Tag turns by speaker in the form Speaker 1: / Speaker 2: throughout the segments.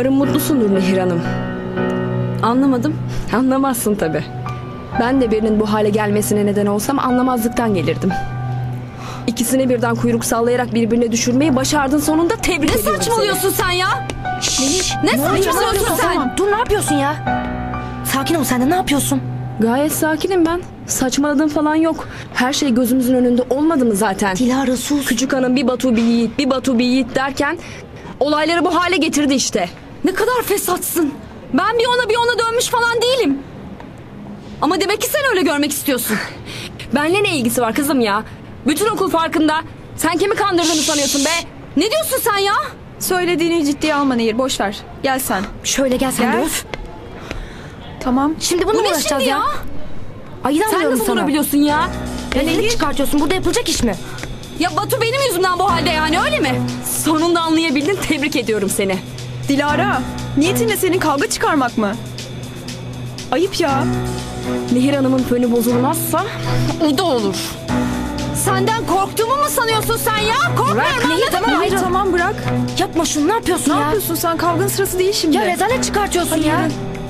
Speaker 1: Umarım mutlusundur Nehir Hanım. Anlamadım. Anlamazsın tabii. Ben de birinin bu hale gelmesine neden olsam anlamazlıktan gelirdim. İkisini birden kuyruk sallayarak birbirine düşürmeyi başardın sonunda, tebrik ediyorum seni.
Speaker 2: Ne saçmalıyorsun sen ya? Ne saçmalıyorsun sen?
Speaker 3: Tamam, dur, ne yapıyorsun ya? Sakin ol sen de, ne yapıyorsun?
Speaker 1: Gayet sakinim ben. Saçmaladığım falan yok. Her şey gözümüzün önünde olmadı mı zaten?
Speaker 3: Dilara sus.
Speaker 1: Küçük hanım bir Batu bir Yiğit, bir Batu bir Yiğit derken olayları bu hale getirdi işte.
Speaker 2: Ne kadar fesatsın. Ben bir ona bir ona dönmüş falan değilim. Ama demek ki sen öyle görmek istiyorsun.
Speaker 1: Benle ne ilgisi var kızım ya? Bütün okul farkında. Sen kimi kandırdığını sanıyorsun be?
Speaker 2: Ne diyorsun sen ya?
Speaker 4: Söylediğini ciddiye alma Nehir, boş ver. Gel sen.
Speaker 3: Şöyle gel sen de,
Speaker 4: Gel.
Speaker 3: öf.
Speaker 4: Tamam.
Speaker 3: Şimdi bunu
Speaker 2: Bu
Speaker 3: mu
Speaker 2: ne
Speaker 3: uğraşacağız
Speaker 2: şimdi
Speaker 3: ya?
Speaker 2: ya?
Speaker 3: Ayıdan
Speaker 2: Sen
Speaker 3: diyorum
Speaker 2: nasıl
Speaker 3: sana.
Speaker 2: durabiliyorsun ya?
Speaker 3: Rezillik çıkartıyorsun, burada yapılacak iş mi?
Speaker 2: Ya Batu benim yüzümden bu halde, yani öyle mi?
Speaker 1: Sonunda anlayabildin, tebrik ediyorum seni.
Speaker 4: Dilara, niyetin ne senin, kavga çıkarmak mı? Ayıp ya.
Speaker 1: Nehir Hanım'ın fönü bozulmazsa
Speaker 2: O da olur. Senden korktuğumu mu sanıyorsun sen ya? Korkmuyorum,
Speaker 3: Nehir,
Speaker 2: anladın mı?
Speaker 3: tamam,
Speaker 4: Hayır, tamam bırak.
Speaker 3: Yapma şunu, ne yapıyorsun
Speaker 4: Ne
Speaker 3: ya?
Speaker 4: yapıyorsun sen? Kavganın sırası değil şimdi.
Speaker 3: Ya rezalet çıkartıyorsun ya.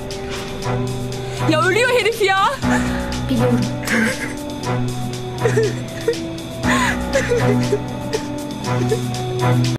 Speaker 1: ya ölüyor herif ya.
Speaker 3: Biliyorum.